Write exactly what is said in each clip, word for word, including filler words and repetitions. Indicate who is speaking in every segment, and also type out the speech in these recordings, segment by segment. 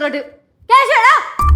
Speaker 1: അങ്ങോട്ട്. കേശവേടാ,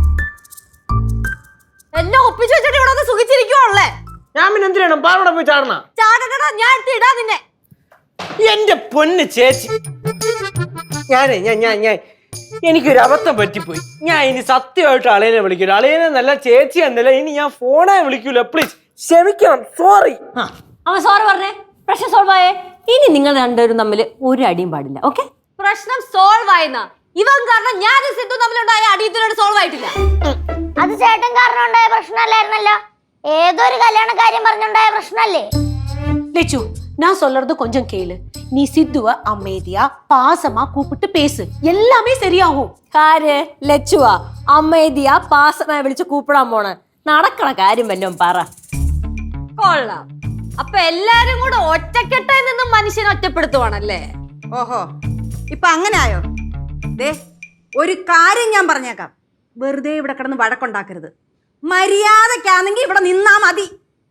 Speaker 1: എന്നെ ഒപ്പിച്ചു വെച്ചിട്ട് ഇവിടെ ഒന്ന് സുഖിച്ചിരിക്കുവല്ലേ?
Speaker 2: ഞാൻ പിന്നെ എന്തിനാണ് പാറോടെ പോയി ചാടണ?
Speaker 1: ചാടടാ, ഞാൻ ഇടാ നിന്നെ.
Speaker 2: എന്റെ പൊന്ന് ചേച്ചി, ഞാനേ ഞാൻ ഞാൻ ഞാൻ എനിക്കൊരു അബദ്ധം പറ്റിപ്പോയി. ഞാൻ ഇനി സത്യമായിട്ട് അളിയനെ വിളിക്കൂല. അളിയനെ നല്ല ചേച്ചി എന്നല്ല, ഇനി ഞാൻ ഫോണെ വിളിക്കൂല. പ്ലീസ് ക്ഷമിക്കണം, സോറി.
Speaker 3: അവൻ സോറി പറഞ്ഞേ, പ്രശ്നം സോൾവ് ആയേ. ഇനി നിങ്ങൾ രണ്ടുപേരും തമ്മിൽ ഒരു അടിയും പാടില്ല. ഓക്കെ?
Speaker 1: പ്രശ്നം സോൾവ് ആയെന്നാ? ഇവൻ കാരണം ഞാനും സിദ്ധു തമ്മിലുണ്ടായ അടിയത്തിനോട് സോൾവ് ആയിട്ടില്ല.
Speaker 4: അത് ചേട്ടൻ കാരണം ഉണ്ടായ പ്രശ്നമല്ലായിരുന്നല്ലോ, ഏതൊരു കല്യാണ കാര്യം പറഞ്ഞുണ്ടായ പ്രശ്നല്ലേ?
Speaker 5: லெச்சு, நான் சொல்றது கொஞ்சம் கேளு. நீ சித்துவ அமைதியா பாசமா கூப்பிட்டு பேசு, எல்லாமே சரியாகும்.
Speaker 3: കാര് ലച്ചുവാ അമ്മേദിയാ പാസമായി വിളിച്ച് കൂപ്പിടാൻ പോണ നടക്കണ കാര്യം വല്ലോ പറ.
Speaker 1: കൊള്ളാം. അപ്പൊ എല്ലാരും കൂടെ ഒറ്റക്കെട്ടായി നിന്നും മനുഷ്യനെ ഒറ്റപ്പെടുത്തുവാണല്ലേ?
Speaker 6: ഓഹോ, ഇപ്പൊ അങ്ങനെ ആയോ? ദേ, ഒരു കാര്യം ഞാൻ പറഞ്ഞേക്കാം, വെറുതെ ഇവിടെ കിടന്ന് വഴക്കുണ്ടാക്കരുത്. മര്യാദക്കാണെങ്കിൽ ഇവിടെ നിന്നാ മതി.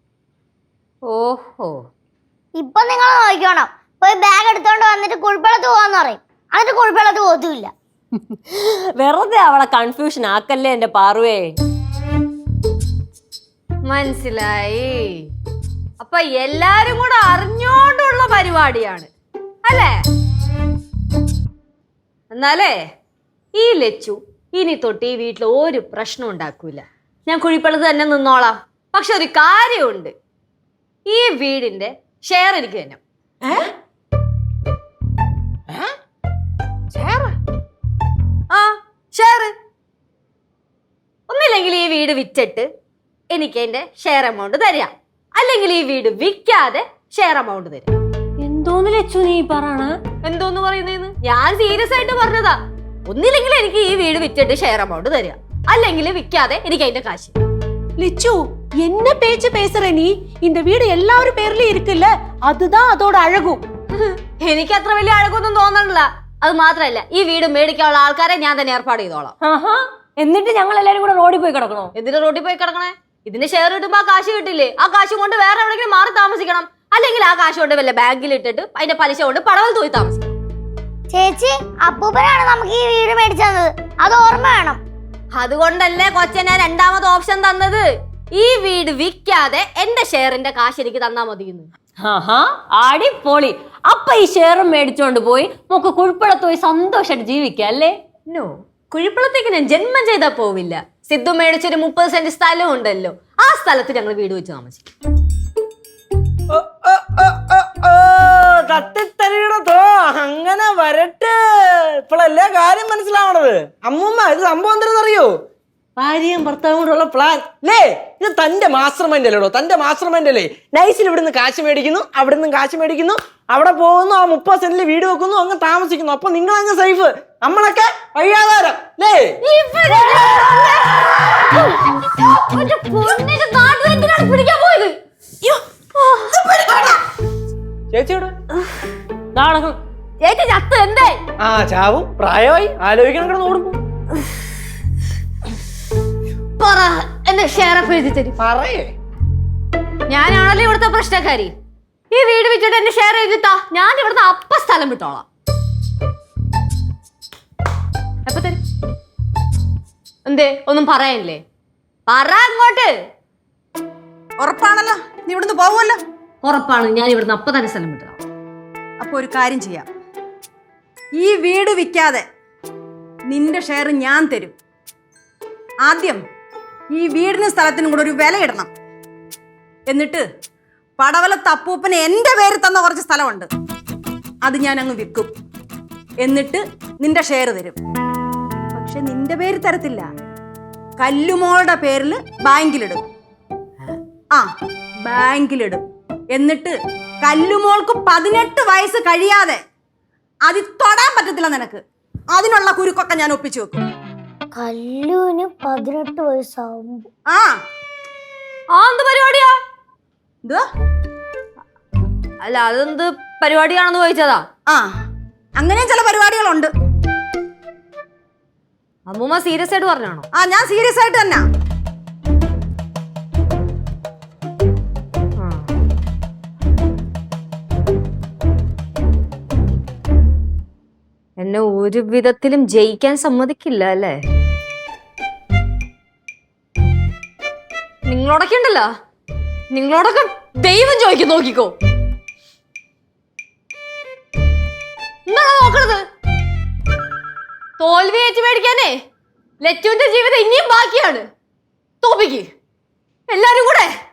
Speaker 1: ഓഹോ,
Speaker 4: ഇപ്പൊ നിങ്ങൾ നോക്കിക്കോണം, പോയി ബാഗ് എടുത്തോണ്ട് വന്നിട്ട് കുഴിപ്പള്ളത്ത് പോവാന്ന് പറയും, എന്നിട്ട് കുഴിപ്പള്ളത്ത് പോത്തുമില്ല.
Speaker 3: വെറുതെ അവളെ കൺഫ്യൂഷൻ ആക്കല്ലേ എന്റെ പാറുവേ.
Speaker 1: മനസ്സിലായി. അപ്പൊ എല്ലാരും കൂടെ അറിഞ്ഞോണ്ടുള്ള പരിപാടിയാണ് അല്ലേ? എന്നാലേ ഈ ലച്ചു ഇനി തൊട്ട് ഈ വീട്ടിൽ ഒരു പ്രശ്നം ഉണ്ടാക്കൂല. ഞാൻ കുഴിപ്പള്ളത്ത് തന്നെ നിന്നോളാം. പക്ഷെ ഒരു കാര്യമുണ്ട്, ഈ വീടിന്റെ ഷെയർ എനിക്ക് തന്നെ. ആ ഷെയർ. ഒന്നില്ലെങ്കിൽ ഈ വീട് വിറ്റിട്ട് എനിക്ക് എന്റെ ഷെയർ എമൗണ്ട് തരാം, അല്ലെങ്കിൽ ഈ വീട് വിൽക്കാതെ ഷെയർ എമൗണ്ട് തരാം.
Speaker 3: എന്തോന്ന് ലച്ചു നീ പറയണ?
Speaker 1: എന്തോന്ന് പറയുന്നേന്ന്? ഞാൻ സീരിയസ് ആയിട്ട് പറഞ്ഞതാ. ഒന്നില്ലെങ്കിൽ എനിക്ക് ഈ വീട് വിറ്റിട്ട് ഷെയർ എമൗണ്ട് തരാം, അല്ലെങ്കിൽ വിൽക്കാതെ എനിക്ക് അതിന്റെ കാശ്.
Speaker 5: லெச்சு, என்ன பேச்சு பேசுற நீ? இந்த வீடு எல்லாரும் பேர்லயும் இருக்குல்ல, அதுதான் அதோட அழகும்.
Speaker 1: എനിക്ക് അത്ര വലിയ അഴകൊന്നും തോന്നണില്ല. അത് മാത്രല്ല, ഈ വീട് മേടിക്കാനുള്ള ആൾക്കാരെ ഞാൻ തന്നെ ഏർപ്പാട് ചെയ്തോളാം.
Speaker 3: ആഹാ, എന്നിട്ട് ഞങ്ങൾ എല്ലാരും കൂടെ റോഡിൽ പോയി കിടക്കണോ?
Speaker 1: എന്തിനാ റോഡിൽ പോയി കിടക്കണേ? ഇതിന്റെ ഷെയർ കിട്ടുമ്പോ ആ കാശ് കിട്ടില്ലേ? ആ കാശ് കൊണ്ട് വേറെ എവിടെയെങ്കിലും മാറി താമസിക്കണം, അല്ലെങ്കിൽ ആ കാശ് കൊണ്ട് വല്ല ബാങ്കിൽ ഇട്ടിട്ട് അതിന്റെ പലിശ കൊണ്ട് പടവൽ തൂയി താമസിക്കണം.
Speaker 4: ചേച്ചി, അപ്പൂപ്പനാണ് നമുക്ക് ഈ വീട് മേടിച്ചു തന്നത്, അത് ഓർമ്മ വേണം.
Speaker 1: അതുകൊണ്ടല്ലേ കൊച്ചനെ രണ്ടാമത് ഓപ്ഷൻ തന്നത്, ഈ വീട് വിൽക്കാതെ എന്റെ ഷെയറിന്റെ കാശ് എനിക്ക് തന്നാ മതിയെന്ന്.
Speaker 3: ആഹാ, അടിപൊളി. അപ്പൊ ഈ ഷെയറും മേടിച്ചോണ്ട് പോയി നമുക്ക് കുഴിപ്പള്ളത്ത് പോയി സന്തോഷമായിട്ട് ജീവിക്കാം അല്ലേ?
Speaker 1: നോ, കുഴിപ്പള്ളത്തേക്ക് ഞാൻ ജന്മം ചെയ്താ പോവില്ല. സിദ്ധു മേടിച്ചൊരു മുപ്പത് സെന്റ് സ്ഥലം ഉണ്ടല്ലോ, ആ സ്ഥലത്ത് ഞങ്ങൾ വീട് വെച്ച് താമസിക്കും.
Speaker 2: തട്ടിത്തരികടത്തോ അങ്ങനെ വരട്ടെ. ഇപ്പോഴല്ലേ കാര്യം മനസ്സിലാവണത്. അമ്മൂമ്മ, ഇത് സംഭവം എന്താണെന്നറിയോ? ഭാര്യയും ഭർത്താവും കൂടെയുള്ള പ്ലാൻ അല്ലേ? ഇത് തന്റെ മാസ്റ്റർ മൈൻഡ് അല്ലേടോ, തന്റെ മാസ്റ്റർ മൈൻഡ് അല്ലേ? നൈസിൽ ഇവിടുന്ന് കാശ് മേടിക്കുന്നു, അവിടെ നിന്ന് കാശ് മേടിക്കുന്നു, അവിടെ പോകുന്നു, ആ മുപ്പത് സെന്റിൽ വീട് വെക്കുന്നു, അങ്ങ് താമസിക്കുന്നു. അപ്പൊ നിങ്ങൾ അങ്ങ് സേഫ്, നമ്മളൊക്കെ വഴിയാധാരം അല്ലേ? ചേച്ചിയോട്
Speaker 1: ചേച്ചി ചത്ത് എന്തേ?
Speaker 2: ആ ചാവും, പ്രായമായി, ആലോചിക്കണം കിടന്ന് ഓടുമ്പോ.
Speaker 1: പറ, എന്റെ ഷെയർ ഒക്കെ എഴുതി തരും.
Speaker 2: പറയേ,
Speaker 1: ഞാനാണല്ലോ ഇവിടുത്തെ പ്രശ്നക്കാരി. ഈ വീട് വിറ്റിട്ട് എന്റെ ഷെയർ എഴുതിത്താ, ഞാൻ ഇവിടുന്ന് അപ്പ സ്ഥലം വിട്ടോളാം. എപ്പ തരും? എന്തേ, ഒന്നും പറയാനില്ലേ? പറ അങ്ങോട്ട്.
Speaker 6: ഉറപ്പാണല്ലോ നീ ഇവിടുന്ന് പോവുമല്ലോ?
Speaker 1: ഉറപ്പാണ്, ഞാൻ ഇവിടുന്ന് അപ്പ തന്നെ സ്ഥലം വിട്ടോളാം.
Speaker 6: അപ്പൊ ഒരു കാര്യം ചെയ്യാം, ഈ വീട് വിൽക്കാതെ നിന്റെ ഷെയർ ഞാൻ തരും. ആദ്യം ഈ വീടിനും സ്ഥലത്തിനും കൂടെ ഒരു വില ഇടണം. എന്നിട്ട് പടവല തപ്പൂപ്പന് എന്റെ പേര് തന്ന കുറച്ച് സ്ഥലമുണ്ട്, അത് ഞാൻ അങ്ങ് വിൽക്കും. എന്നിട്ട് നിന്റെ ഷെയർ തരും. പക്ഷെ നിന്റെ പേര് തരത്തില്ല, കല്ലുമോളുടെ പേരിൽ ബാങ്കിലിടും. ആ, ബാങ്കിലിടും. എന്നിട്ട് കല്ലുമോൾക്ക് പതിനെട്ട് വയസ്സ് കഴിയാതെ അത് തൊടാൻ പറ്റത്തില്ല നിനക്ക്. അതിനുള്ള കുരുക്കൊക്കെ ഞാൻ ഒപ്പിച്ചു വെക്കും.
Speaker 4: കല്ലുവിന് പതിനെട്ട് വയസ്സാവുമ്പോ
Speaker 6: ആ
Speaker 1: ആ എന്ത് പരിപാടിയാ?
Speaker 6: എന്തുവാ?
Speaker 1: അല്ല, അതെന്ത് പരിപാടിയാണെന്ന് ചോദിച്ചതാ.
Speaker 6: ആ, അങ്ങനെ ചില പരിപാടികളുണ്ട്.
Speaker 1: അമ്മൂമ്മ സീരിയസ് ആയിട്ട് പറഞ്ഞാണോ?
Speaker 6: ആ, ഞാൻ സീരിയസ് ആയിട്ട് തന്നെ.
Speaker 1: എന്നെ ഒരു വിധത്തിലും ജയിക്കാൻ സമ്മതിക്കില്ല അല്ലേ? നിങ്ങളോടൊക്കെ ഉണ്ടല്ലോ, നിങ്ങളോടൊക്കെ ദൈവം ചോദിക്കും, നോക്കിക്കോ. എന്താണോ നോക്കണത്? തോൽവി ഏറ്റു മേടിക്കാനേ ലച്ചുവിന്റെ ജീവിതം ഇനിയും ബാക്കിയാണ്. തോപ്പിക്ക് എല്ലാരും കൂടെ.